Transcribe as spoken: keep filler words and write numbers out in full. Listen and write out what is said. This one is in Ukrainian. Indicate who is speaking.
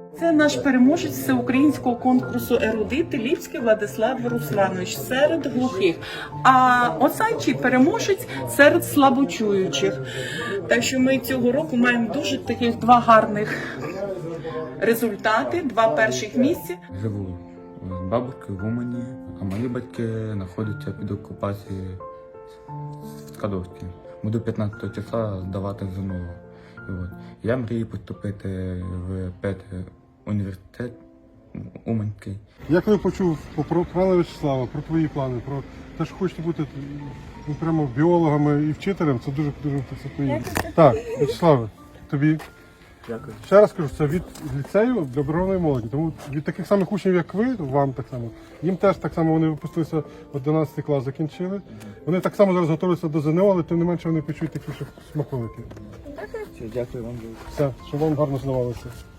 Speaker 1: Це наш переможець всеукраїнського конкурсу ерудити Ліпський Владислав Русланович серед глухих. А Осадчий переможець серед слабочуючих. Так що ми цього року маємо дуже таких два гарних результати, два перших місця.
Speaker 2: Живу з бабушкою в Умані, а мої батьки знаходяться під окупацією в Скадовській. Буду п'ятнадцятого числа здавати ЗНО. І от. Я мрію поступити в п'ятий університет Уманський.
Speaker 3: Я коли почув про пана В'ячеслава, про твої плани, про те, що хочете бути ну, прямо біологами і вчителем, це дуже дуже це поїде. Так, В'ячеславе, тобі.
Speaker 2: Дякую.
Speaker 3: Ще раз кажу, це від ліцею для оборонної молоді. Тому від таких самих учнів, як ви, вам так само, їм теж так само вони випустилися, одинадцятий клас закінчили. Вони так само зараз готуються до ЗНО, але тим не менше вони почують такі, що смаколики.
Speaker 2: Дякую вам.
Speaker 3: Все, щоб вам гарно здавалося.